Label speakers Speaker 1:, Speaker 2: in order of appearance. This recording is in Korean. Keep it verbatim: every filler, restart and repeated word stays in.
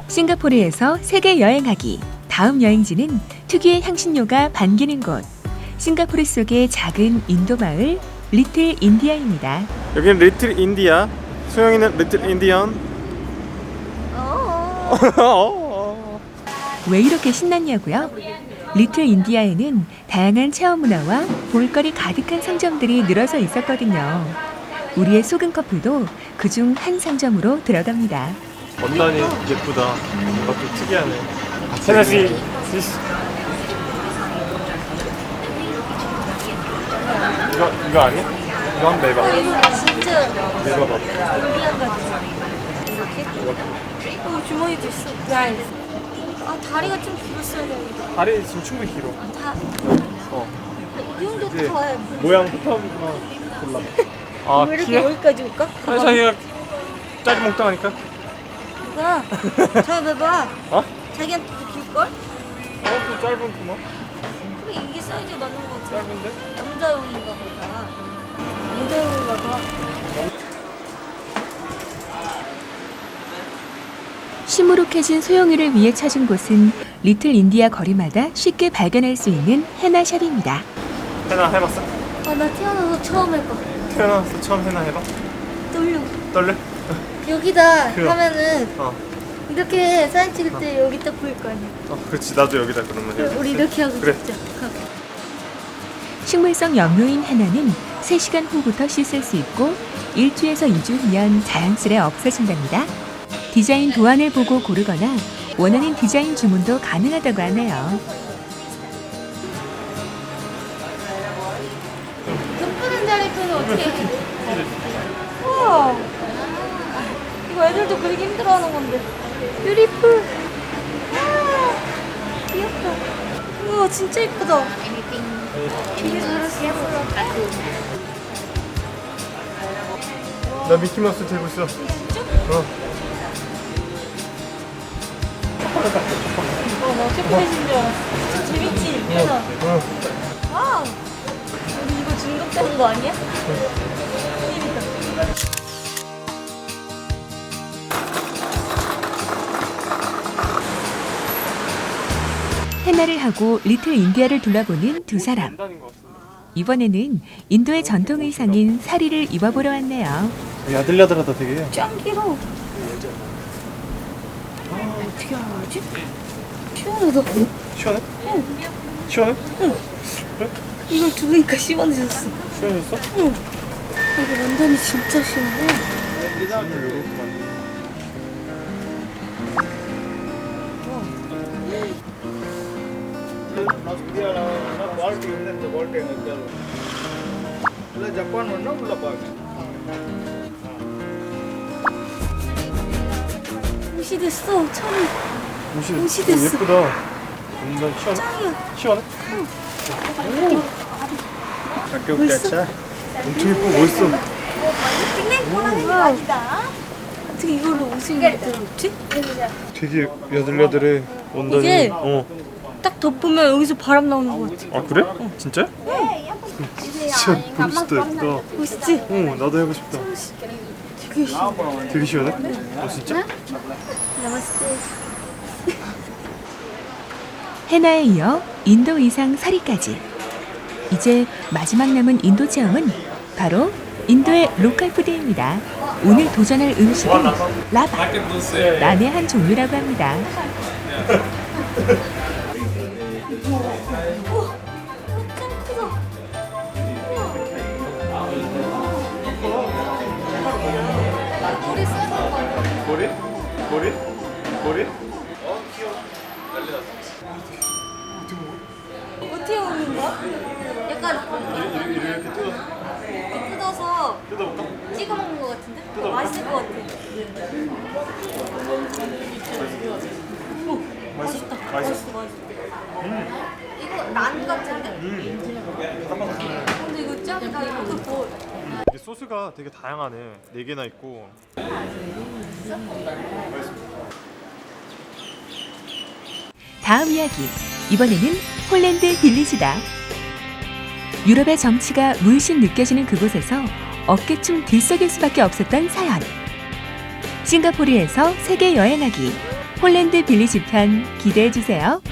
Speaker 1: 싱가포르에서 세계 여행하기. 다음 여행지는 특유의 향신료가 반기는 곳. 싱가포르 속의 작은 인도 마을 리틀 인디아입니다.
Speaker 2: 여기는 리틀 인디아. 수영이는 리틀 인디언.
Speaker 1: 왜 이렇게 신났냐고요? 리틀 인디아에는 다양한 체험 문화와 볼거리 가득한 상점들이 늘어서 있었거든요. 우리의 소금 커플도 그중 한 상점으로 들어갑니다.
Speaker 2: 원단이 예쁘다. 뭔가 좀 특이하네. 세나씨. 이거 이거 아니? 이거 한번 내봐.
Speaker 3: 진짜
Speaker 2: 내봐봐.
Speaker 3: 올리안 같지? 이렇게? 어, 주머니도 있어. 나이스. 아, 다리가 좀 길었어야 되는데.
Speaker 2: 다리 지금 충분히 길어.
Speaker 3: 다,
Speaker 2: 어.
Speaker 3: 이 정도
Speaker 2: 이제
Speaker 3: 더 해야 돼.
Speaker 2: 모양부터 한번 골라. 아
Speaker 3: 왜 이렇게
Speaker 2: 키야?
Speaker 3: 여기까지 올까?
Speaker 2: 아니 자기가 짜리 몽땅하니까.
Speaker 3: 누가? 저 봐봐.
Speaker 2: 어?
Speaker 3: 자기한테 더 길걸?
Speaker 2: 어? 좀 짧은구만.
Speaker 3: 그래, 이게 사이즈가 맞는 거 같아.
Speaker 2: 짧은데?
Speaker 3: 남자용인가 보다. 남자용인가 봐.
Speaker 1: 시무룩해진 소영이를 위해 찾은 곳은 리틀 인디아 거리마다 쉽게 발견할 수 있는 헤나샵입니다.
Speaker 2: 해나 해봤어?
Speaker 3: 아, 나 태어나서 처음 해봐.
Speaker 2: 태어나서 처음 해나 해봐?
Speaker 3: 떨려.
Speaker 2: 떨려?
Speaker 3: 여기다
Speaker 2: 그럼.
Speaker 3: 하면은
Speaker 2: 어.
Speaker 3: 이렇게 사진 찍을 때 여기 딱 보일 거 아니야.
Speaker 2: 어 그렇지 나도 여기다 그러면 해.
Speaker 3: 우리 이렇게 하고
Speaker 2: 그래.
Speaker 3: 찍자. 가.
Speaker 1: 식물성 염료인 헤나는 세 시간 후부터 씻을 수 있고 일 주에서 이 주 후면 자연스레 없어진답니다. 디자인 도안을 보고 고르거나 원하는 디자인 주문도 가능하다고 하네요.
Speaker 3: 예쁘는 자리표는 어떻게 해? 우와, 이거 애들도 그리기 힘들어하는 건데. 뷰티풀. 아, 귀엽다. 우와, 진짜 예쁘다. 되게 잘했어.
Speaker 2: 나 미키마우스 들고 있어. 어.
Speaker 3: 어, 나 초콜릿인 줄 알았어. 진짜 재밌지? 그래서.
Speaker 2: 어.
Speaker 3: 와우. 우리 이거 중독되는 거 아니야? 재밌다.
Speaker 1: 헤나를 하고 리틀 인디아를 둘러보는 두 사람. 이번에는 인도의 전통 의상인 사리를 입어보러 왔네요.
Speaker 2: 야들야들하다 되게.
Speaker 3: 짱 길어. 어떻게 알지? 시원하다.
Speaker 2: 시원해? 시원해?
Speaker 3: 이걸 두니까 시원해졌어.
Speaker 2: 시원했어?
Speaker 3: 응. 이거 완전히 진짜 시원해. 옷이 됐어. 처음에
Speaker 2: 옷이,
Speaker 3: 옷이
Speaker 2: 어,
Speaker 3: 됐어.
Speaker 2: 예쁘다. 완전 시원해?
Speaker 3: 짱이야.
Speaker 2: 시원해? 학교
Speaker 3: 멋있어?
Speaker 2: 엄청 예쁘고 멋있어.
Speaker 3: 우와. 어떻게 이걸로 옷을 만들었지?
Speaker 2: 되게 야들야들해. 원단이.
Speaker 3: 이게-
Speaker 2: 어.
Speaker 3: 딱 덮으면 여기서 바람 나오는 거 같아.
Speaker 2: 아 그래? 진짜? 진짜 멋있다 예쁘다.
Speaker 3: 멋있지?
Speaker 2: 어 나도 해보고 싶다.
Speaker 3: 되게 시원해.
Speaker 2: 되게 시원해? 어 진짜?
Speaker 3: 나마스테.
Speaker 1: 헤나에 이어 인도 의상 사리까지. 이제 마지막 남은 인도 체험은 바로 인도의 로컬 푸드입니다. 오늘 도전할 음식은 라바, 난의 한 종류라고 합니다.
Speaker 3: 우와, 짱 크다. 머리 쓰는 거 아니야?
Speaker 2: 머리? 머리? 머리? 어 귀여워. 난리 났어.
Speaker 3: 어떻게 먹는 거야? 약간
Speaker 2: 이렇게, 이렇게 뜯어
Speaker 3: 이렇게 뜯어서
Speaker 2: 뜯어볼까?
Speaker 3: 찍어 먹는 거 같은데?
Speaker 2: 뜯어볼까?
Speaker 3: 맛있을 것 같아. 오, 맛있다.
Speaker 2: 맛있어?
Speaker 3: 맛있어, 맛있어. 이거 난 같은데? 근데 이거 짱이다. 이것도 더.
Speaker 2: 이게 소스가 되게 다양하네. 네 개나 있고.
Speaker 1: 다음 이야기. 이번에는 폴란드 빌리지다. 유럽의 정치가 물씬 느껴지는 그곳에서 어깨춤 들썩일 수밖에 없었던 사연. 싱가포르에서 세계 여행하기. 폴란드 빌리지 편 기대해 주세요.